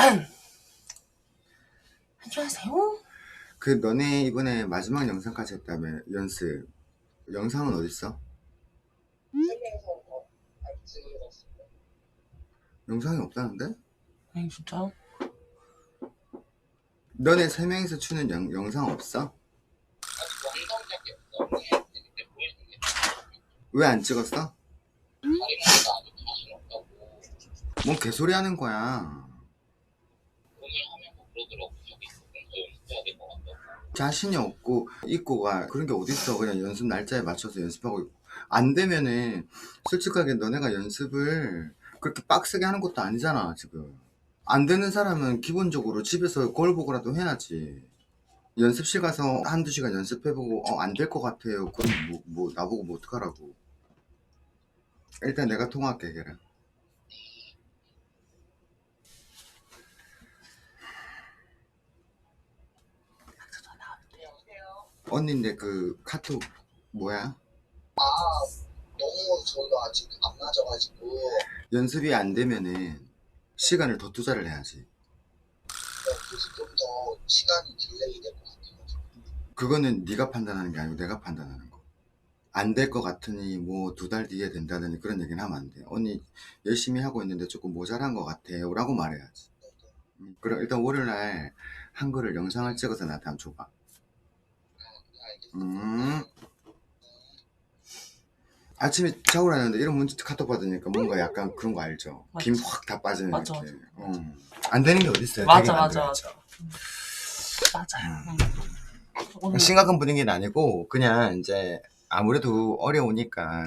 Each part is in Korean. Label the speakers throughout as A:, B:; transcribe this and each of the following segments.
A: 안녕하세요.
B: 그 너네 이번에 마지막 영상까지 했다며 연습 영상은 어딨어? 영상이 없다는데?
A: 아니 진짜요?
B: 너네 세 명이서 추는 영상 없어? 왜 안 찍었어? 뭔 개소리 하는 거야. 자신이 없고 있고가 그런 게 어딨어. 그냥 연습 날짜에 맞춰서 연습하고 있고. 안 되면은 솔직하게 너네가 연습을 그렇게 빡세게 하는 것도 아니잖아 지금. 안 되는 사람은 기본적으로 집에서 거울 보고라도 해야지. 연습실 가서 한두 시간 연습해보고 안 될 것 같아요. 그럼 뭐 나보고 뭐 어떡하라고. 일단 내가 통화할게 걔랑. 언니인데 그 카톡 뭐야?
C: 너무 저희가 아직 안 맞아가지고
B: 연습이 안 되면은 시간을 더 투자를 해야지.
C: 그래서 좀 더 시간이 딜레이 될 것 같아가지고.
B: 그거는 네가 판단하는 게 아니고 내가 판단하는 거. 안 될 것 같으니 뭐 2달 뒤에 된다더니 그런 얘기는 하면 안 돼. 언니 열심히 하고 있는데 조금 모자란 것 같아요 라고 말해야지. 그럼 일단 월요일날 한글을 영상을 찍어서 나한테 한번 줘봐. 아침에 샤워를 하는데 이런 문자 카톡 받으니까 뭔가 약간 그런 거 알죠?
A: 맞아.
B: 김 확 다 빠지는
A: 맞아,
B: 이렇게. 안 되는 게 어딨어요.
A: 맞아
B: 되게
A: 맞아
B: 만들어야죠.
A: 맞아. 맞아요. 오늘
B: 심각한 분위기는 아니고 그냥 이제 아무래도 어려우니까.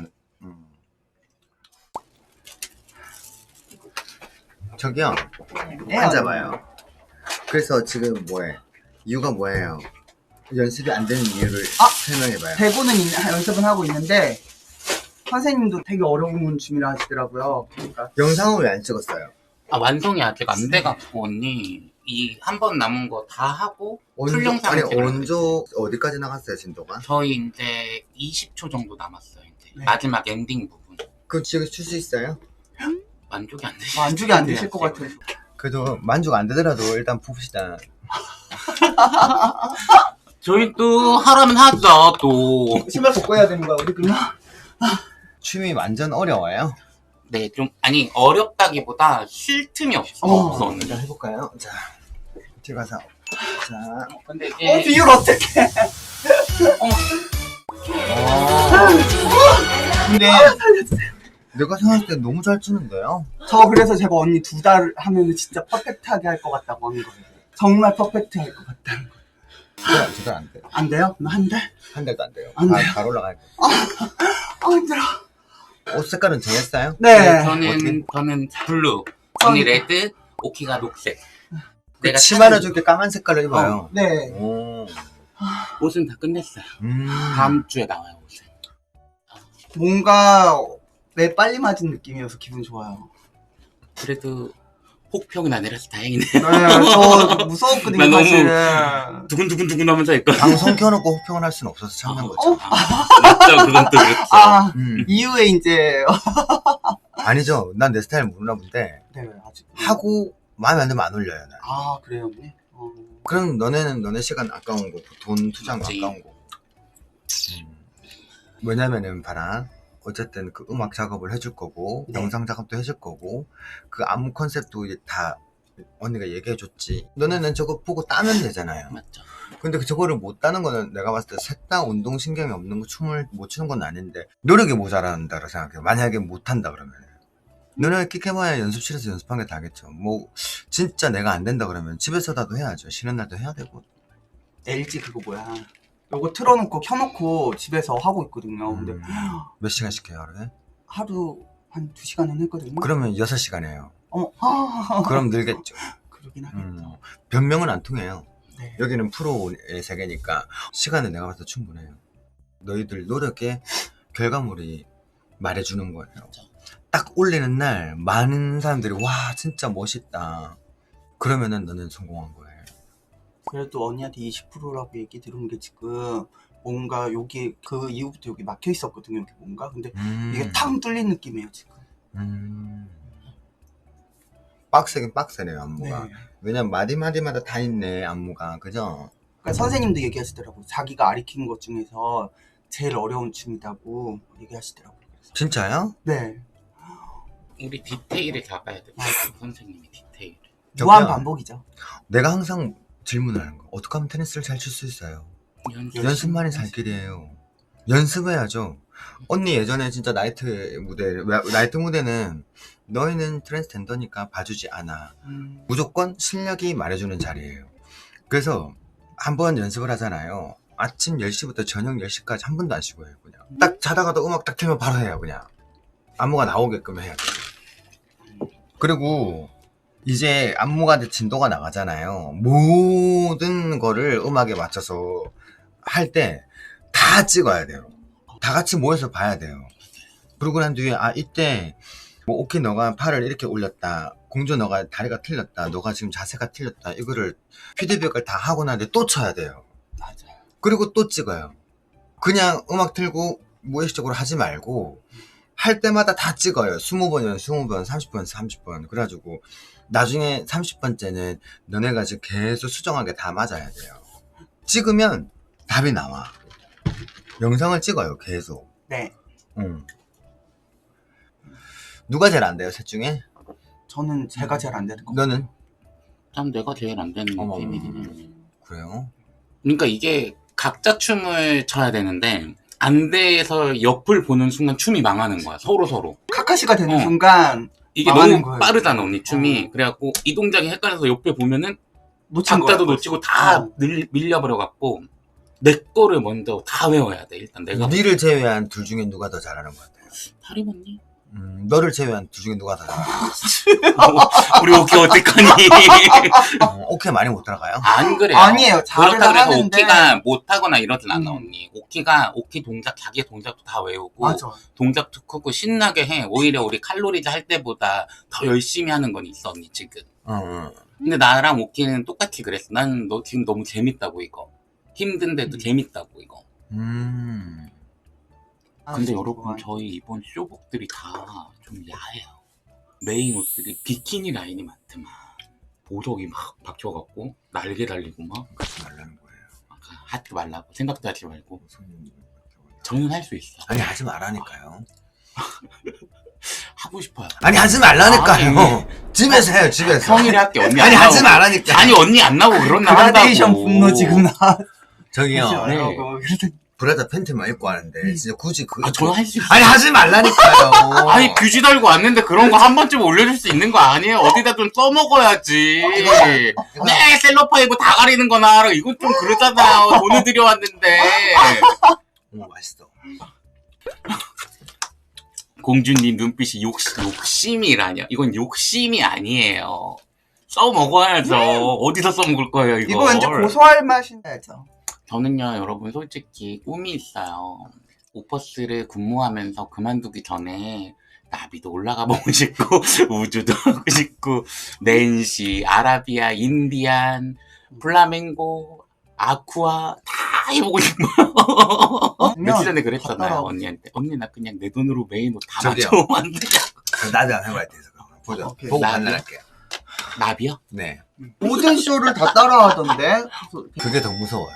B: 저기요,
C: 네,
B: 앉아봐요. 그래서 지금 뭐해? 이유가 뭐예요? 연습이 안 되는 이유를 설명해봐요.
C: 대본은 연습은 하고 있는데 선생님도 되게 어려운 춤이라 하시더라고요. 그러니까
B: 영상은 왜 안 찍었어요?
D: 완성이 아직 안 돼갖고 언니 이 한 번 남은 거 다 하고 풀 영상
B: 아니 원조 어디까지 나갔어요 진도가?
D: 저희 이제 20초 정도 남았어요. 이제
C: 네.
D: 마지막 엔딩 부분
B: 그럼 지금 출 수 있어요?
D: 만족이 안 되시.
C: 만족이 안 되실 것 같아요.
B: 그래도 만족 안 되더라도 일단 봅시다.
D: 저희 또 하라면 하죠 또.
C: 신발 벗고 해야 되는 거야 우리 그냥?
B: 춤이 완전 어려워요.
D: 네, 좀 아니 어렵다기보다 쉴 틈이 없어. 언니.
B: 일단 해볼까요? 자, 들어가서. 자,
D: 근데 이제
C: 비율 어떡해.
B: 근데 내가 생각할 때 너무 잘 추는데요?
C: 저 그래서 제가 언니 2달 하면 진짜 퍼펙트하게 할 것 같다고 하는 거예요. 정말 퍼펙트 할 것 같다는 거.
B: 제가 안 돼요.
C: 안 돼요? 한 달?
B: 한 달도 안 돼요.
C: 안 돼요?
B: 잘 올라가야 돼요.
C: 힘들어.
B: 옷 색깔은 정했어요?
C: 네.
D: 저는 블루, 언니 레드, 오키가 녹색. 내가
B: 치마를 저렇게 까만 색깔로 입어요.
C: 네.
B: 오.
D: 옷은 다 끝냈어요.
B: 음.
D: 다음 주에 나와요 옷은.
C: 뭔가 매 빨리 맞은 느낌이어서 기분 좋아요.
D: 그래도 혹평은 아니라서 다행이네.
C: 네, 저 무서웠거든요,
D: 나 너무
C: 사실은.
D: 두근두근두근 하면서 했거든.
B: 방송 켜놓고 호평을 할 수는 없어서 참는 거죠.
D: 맞죠, 그건 또 그렇죠.
C: 이후에 이제.
B: 아니죠. 난 내 스타일 모르나 본데
C: 네, 아직.
B: 하고 마음에 안 들면 안 올려요. 난.
C: 그래요, 언니?
B: 그럼 너네는 너네 시간 아까운 거고 돈 투자한 거
D: 맞지.
B: 아까운 거고. 왜냐면은 봐라. 어쨌든 그 음악 작업을 해줄 거고
C: 네.
B: 영상 작업도 해줄 거고 그 안무 컨셉도 이제 다 언니가 얘기해줬지. 너네는 저거 보고 따면 되잖아요.
D: 맞죠.
B: 근데 저거를 못 따는 거는 내가 봤을 때 셋 다 운동신경이 없는 거 춤을 못 추는 건 아닌데 노력이 모자란다고 생각해요. 만약에 못한다 그러면 너네 끽해봐야 연습실에서 연습한 게 다겠죠. 뭐 진짜 내가 안 된다 그러면 집에서라도 해야죠. 쉬는 날도 해야 되고.
C: LG 그거 뭐야. 요거 틀어놓고 켜놓고 집에서 하고 있거든요. 근데
B: 몇 시간씩 해요 하루에?
C: 하루 한 2시간은 했거든요.
B: 그러면 6시간 해요.
C: 어머,
B: 그럼 늘겠죠.
C: 그러긴 하겠다.
B: 변명은 안 통해요.
C: 네.
B: 여기는 프로의 세계니까 시간은 내가 봤을 때 충분해요. 너희들 노력의 결과물이 말해주는 거예요. 딱 올리는 날 많은 사람들이 와 진짜 멋있다 그러면은 너는 성공한 거예요.
C: 그래도 언니한테 20%라고 얘기 들은 게 지금 뭔가 여기 그 이후부터 여기 막혀 있었거든요. 여기 뭔가 근데 이게 탕 뚫린 느낌이에요 지금.
B: 빡세긴 빡세네요 안무가.
C: 네.
B: 왜냐면 마디마디마다 다 있네 안무가. 그죠?
C: 그러니까 선생님도 얘기하시더라고요. 자기가 가르친 것 중에서 제일 어려운 춤이라고 얘기하시더라고요. 그래서.
B: 진짜요?
C: 네.
D: 우리 디테일을 잡아야 돼. 선생님이 디테일.
C: 무한 반복이죠.
B: 내가 항상 질문하는 거. 어떻게 하면 테니스를 잘 칠 수 있어요? 연습만이 살 길이에요. 연습해야죠. 언니 예전에 진짜 나이트 무대는 너희는 트랜스젠더니까 봐주지 않아. 무조건 실력이 말해주는 자리예요. 그래서 한번 연습을 하잖아요. 아침 10시부터 저녁 10시까지 한 번도 안 쉬고 해요. 그냥 딱 자다가도 음악 딱 틀면 바로 해요. 그냥 안무가 나오게끔 해야 돼요. 그리고 이제 안무가 진도가 나가잖아요. 모든 거를 음악에 맞춰서 할 때 다 찍어야 돼요. 다 같이 모여서 봐야 돼요. 그러고 난 뒤에 이때 뭐 오케이 너가 팔을 이렇게 올렸다, 공주 너가 다리가 틀렸다, 너가 지금 자세가 틀렸다, 이거를 피드백을 다 하고 난 뒤에 또 쳐야 돼요.
C: 맞아요.
B: 그리고 또 찍어요. 그냥 음악 틀고 무의식적으로 하지 말고 할 때마다 다 찍어요. 20번이면 20번, 30번, 30번. 그래가지고 나중에 30번째는 너네가 지금 계속 수정하게 다 맞아야 돼요. 찍으면 답이 나와. 영상을 찍어요, 계속.
C: 네.
B: 누가 제일 안 돼요, 셋 중에?
C: 저는 제가 제일 안 되는 것 같아요.
B: 너는?
D: 참 내가 제일 안 되는
B: 어머.
D: 느낌이네.
B: 그래요?
D: 그러니까 이게 각자 춤을 춰야 되는데 안 돼서 옆을 보는 순간 춤이 망하는 거야. 서로.
C: 카카시가 되는
D: 어.
C: 순간
D: 이게
C: 망하는
D: 너무
C: 거예요.
D: 빠르잖아 언니 춤이. 그래갖고 이 동작이 헷갈려서 옆에 보면은
C: 놓친 거야.
D: 박자도 놓치고 다
C: 어.
D: 밀려버려갖고 내 거를 먼저 다 외워야 돼. 일단 내가
B: 니를 제외한 둘 중에 누가 더 잘하는 것 같아요?
D: 파림 언니?
B: 너를 제외한 둘 중에 누가 더 잘하는
D: 우리 오키 어떡하니?
B: 오케이 많이 못 들어가요?
D: 안 그래요.
C: 아니에요. 잘은
D: 그렇다 그래서
C: 하는데.
D: 오키가 못하거나 이러진 않아 언니. 오키 동작 자기 동작도 다 외우고
C: 맞아.
D: 동작도 크고 신나게 해. 오히려 우리 칼로리즈 할 때보다 더 열심히 하는 건 있어 언니 지금.
B: 응.
D: 근데 나랑 오키는 똑같이 그랬어. 나는 너 지금 너무 재밌다고 이거. 힘든데도 재밌다고 이거. 근데 여러분 저희 이번 쇼복들이 다 좀 야해요. 메인 옷들이 비키니 라인이 많더만. 보석이 막 박혀갖고 날개 달리고 막.
B: 그러지 말라는 거예요.
D: 아까 하지 말라고 생각도 하지 말고.
B: 손님.
D: 저는 할 수 있어.
B: 아니 하지 말라니까요.
D: 하고 싶어요.
B: 아니 하지 말라니까요.
D: 아니.
B: 집에서 해요, 집에서.
D: 평일에 할게 언니
B: 아니
D: 안
B: 하지
D: 나오고.
B: 말라니까.
D: 아니 언니 안 나오고 그런 날 한다고.
C: 그라데이션 분노 지금 나.
B: 저기요.
D: 네.
C: 그래서
B: 브라자 팬티만 입고 하는데 진짜 굳이 그.
D: 아 저는 할 수 있어.
B: 아니 하지 말라니까요.
D: 아니 뷰지 달고 왔는데 그런 거 한 번쯤 올려줄 수 있는 거 아니에요? 어디다 좀 써먹어야지. 네 셀럽파이브 다 가리는 거나 이건 좀 그러잖아요. 돈을 들여왔는데.
B: 맛있어.
D: 공주님 눈빛이 욕심이라뇨. 이건 욕심이 아니에요. 써먹어야죠. 어디서 써먹을 거예요 이거.
C: 이거 왠지 고소할 맛인데죠.
D: 저는요 여러분 솔직히 꿈이 있어요. 오퍼스를 근무하면서 그만두기 전에 나비도 올라가 보고 싶고 우주도 하고 싶고 낸시, 아라비아, 인디안, 플라멩고, 아쿠아 다 해보고 싶어요. 며칠 전에 그랬잖아요
C: 갔다가
D: 언니한테. 언니 나 그냥 내 돈으로 메인 옷 다
B: 저기요.
D: 맞춰오면 안 되냐.
B: 나도 안 해봐야 돼서 보자.
C: 오케이.
B: 보고
D: 나도요?
B: 판단할게요.
D: 나비요?
B: 네.
C: 모든 쇼를 다 따라하던데.
B: 그게 더 무서워요.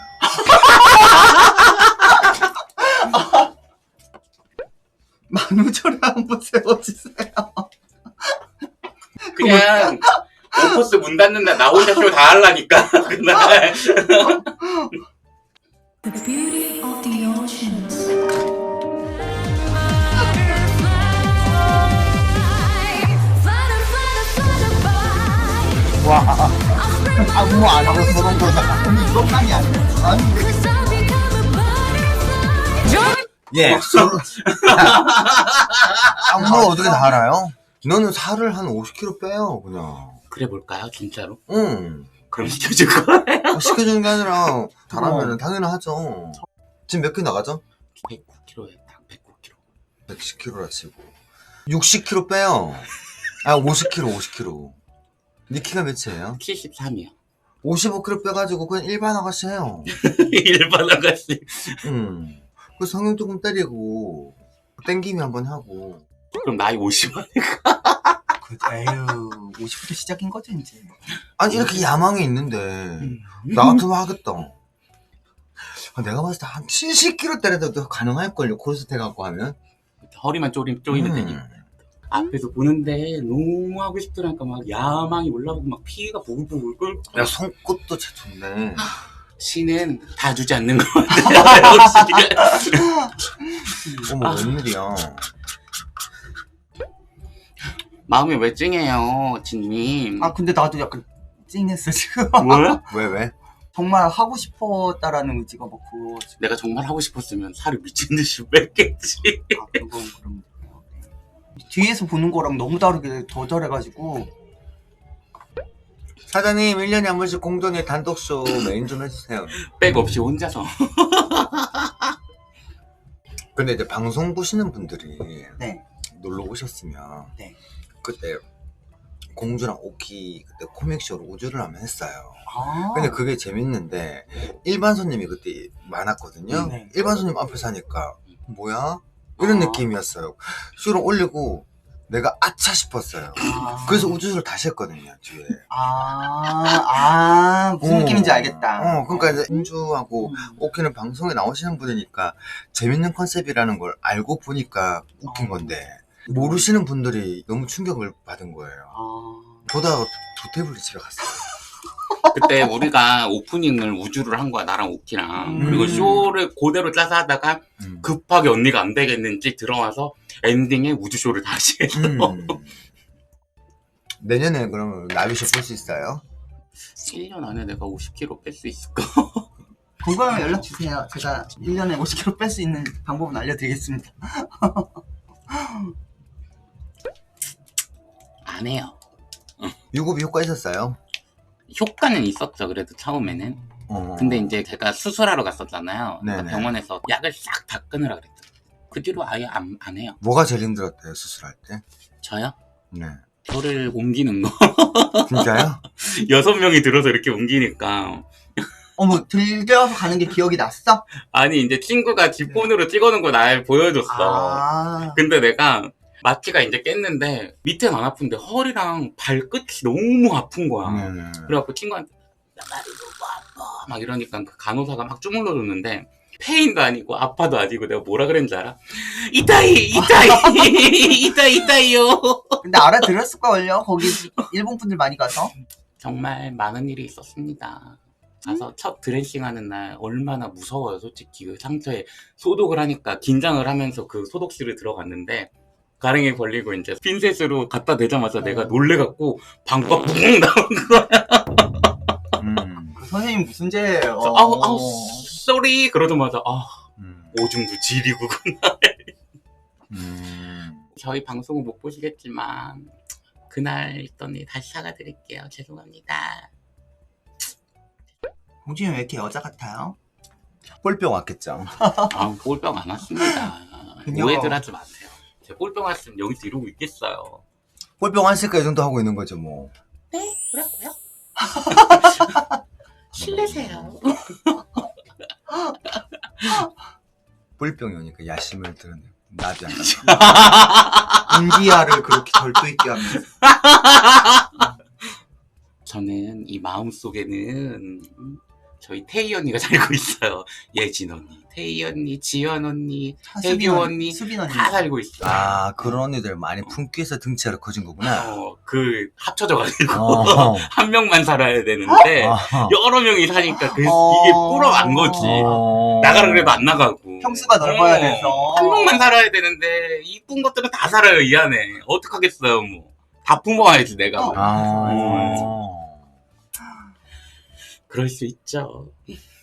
C: 만우절에 한번 세워주세요.
D: 그냥 오퍼스 문 닫는 날 나 혼자 쇼 다 하려니까 그날.
E: The beauty of the oceans.
C: 와. 아무 안 하고 저런 거 근데 이것만이 아니야. 아니.
B: 예. 안무 어떻게 다 알아요? 너는 살을 한 50kg 빼요, 그냥.
D: 그래 볼까요 진짜로?
B: 응.
D: 그럼 시켜줄 거예요?
B: 시켜주는 게 아니라 잘하면 당연하죠. 지금 몇 킬로 나가죠?
D: 109kg에 딱 109kg.
B: 110kg라 치고 60kg 빼요. 아 50kg. 니 키가 몇이에요?
D: 73이요.
B: 55kg 빼가지고 그냥 일반 아가씨 해요.
D: 일반 아가씨.
B: 그 성형 조금 때리고 땡김이 한번 하고.
D: 그럼 나이 50만.
C: 에휴 50부터 시작인 거지 이제.
B: 아니 이렇게 야망이 있는데 나 같으면 하겠다. 내가 봤을 때 한 70kg 때려도 가능할걸요. 코르셋 해갖고 하면.
D: 허리만 쪼이면 되니까. 앞에서 보는데 너무 하고 싶더라니까 막 야망이 올라오고 막 피가 부글부글 끓고.
B: 야 손끝도 제 좋네.
D: 신은 다 주지 않는 것 같아요. 역시.
B: 어머 웬일이야.
D: 마음이 왜 찡해요, 진님?
C: 아 근데 나도 약간 찡했어 지금.
D: 뭐야?
B: 왜?
C: 정말 하고 싶었다라는 의지가 많고.
D: 내가 정말 하고 싶었으면 살을 미친 듯이 뺐겠지.
C: 아 그건 그럼. 뒤에서 보는 거랑 너무 다르게 더 잘해가지고.
B: 사장님 1년에 한 번씩 공동의 단독쇼 메인 좀 해주세요.
D: 백 없이 혼자서.
B: 근데 이제 방송 보시는 분들이
C: 네.
B: 놀러 오셨으면
C: 네.
B: 그때 공주랑 오키 그때 코믹쇼로 우주를 한번 했어요.
C: 아.
B: 근데 그게 재밌는데 일반 손님이 그때 많았거든요.
C: 네.
B: 일반 손님 앞에서 하니까 뭐야? 이런
D: 아.
B: 느낌이었어요. 쇼를 올리고 내가 아차 싶었어요. 그래서 우주를 다시 했거든요, 뒤에.
C: 무슨 느낌인지 알겠다.
B: 그러니까 이제 공주하고 오키는 방송에 나오시는 분이니까 재밌는 컨셉이라는 걸 알고 보니까 웃긴 건데 모르시는 분들이 너무 충격을 받은 거예요. 보다가 두 테이블이 집에 갔어요.
D: 그때 우리가 오프닝을 우주를 한 거야, 나랑 오키랑. 그리고 쇼를 그대로 짜서 하다가 급하게 언니가 안 되겠는지 들어와서 엔딩에 우주쇼를 다시 했어.
B: 내년에 그러면 나비쇼 볼 수 있어요?
D: 1년 안에 내가 50kg 뺄 수 있을까?
C: 궁금하면 연락 주세요. 제가 1년에 50kg 뺄 수 있는 방법은 알려드리겠습니다.
D: 안 해요.
B: 유급이 효과 있었어요?
D: 효과는 있었죠, 그래도 처음에는. 근데 이제 제가 수술하러 갔었잖아요. 그러니까
B: 네네.
D: 병원에서 약을 싹 다 끊으라 그랬죠. 그 뒤로 아예 안 해요.
B: 뭐가 제일 힘들었대요, 수술할 때?
D: 저요?
B: 네.
D: 저를 옮기는 거.
B: 진짜요?
D: 6명이 들어서 이렇게 옮기니까.
C: 어머, 들려서 가는 게 기억이 났어?
D: 아니, 이제 친구가 지 폰으로 찍어놓은 거 날 보여줬어. 근데 내가 마취가 이제 깼는데 밑에는 안 아픈데 허리랑 발끝이 너무 아픈 거야. 그래갖고 친구한테 나 다리 너무 아파 막 이러니까 그 간호사가 막 주물러줬는데 페인도 아니고 아파도 아니고 내가 뭐라 그랬는지 알아? 이따이 이따이요.
C: 근데 알아들었을걸요? 거기 일본 분들 많이 가서.
D: 정말 많은 일이 있었습니다. 가서 첫 드레싱 하는 날 얼마나 무서워요. 솔직히 그 상처에 소독을 하니까 긴장을 하면서 그 소독실을 들어갔는데 가랭이 걸리고 이제 핀셋으로 갖다 대자마자 내가 놀래갖고 방과 뿡 나온 거야.
C: 그 선생님 무슨 죄예요?
D: 아우 쏘리 그러자마자 오줌도 지리구구나. 저희 방송은 못 보시겠지만 그날 있더니 다시 사과드릴게요. 죄송합니다.
C: 공주님 왜 이렇게 여자 같아요?
B: 볼병 왔겠죠.
D: 볼병 안 왔습니다.
C: 그냥-
D: 오해들 하지 마세요. 제가 볼병 왔으면 여기서 이러고 있겠어요.
B: 볼병 왔으니까 이 정도 하고 있는 거죠, 뭐.
D: 네? 뭐라고요? 실례세요.
B: 볼병이 오니까 야심을 드러내. 나비 안
C: 인디아를 그렇게 절도 있게 하면서.
D: 저는 이 마음속에는 저희 태희 언니가 살고 있어요. 예진 언니, 태희 언니, 지연 언니, 혜교 언니
C: 수빈 언니.
D: 다 살고 있어요.
B: 그런 언니들 많이 품귀해서 등치가 커진 거구나.
D: 그 합쳐져가지고
B: 어.
D: 한 명만 살아야 되는데 여러 명이 사니까 이게 불어난 거지. 나가라 그래도 안 나가고.
C: 평수가 넓어야 돼서.
D: 한 명만 살아야 되는데 이쁜 것들은 다 살아요 이 안에. 어떡하겠어요 뭐. 다 품어와야지 내가. 뭐. 그럴 수 있죠.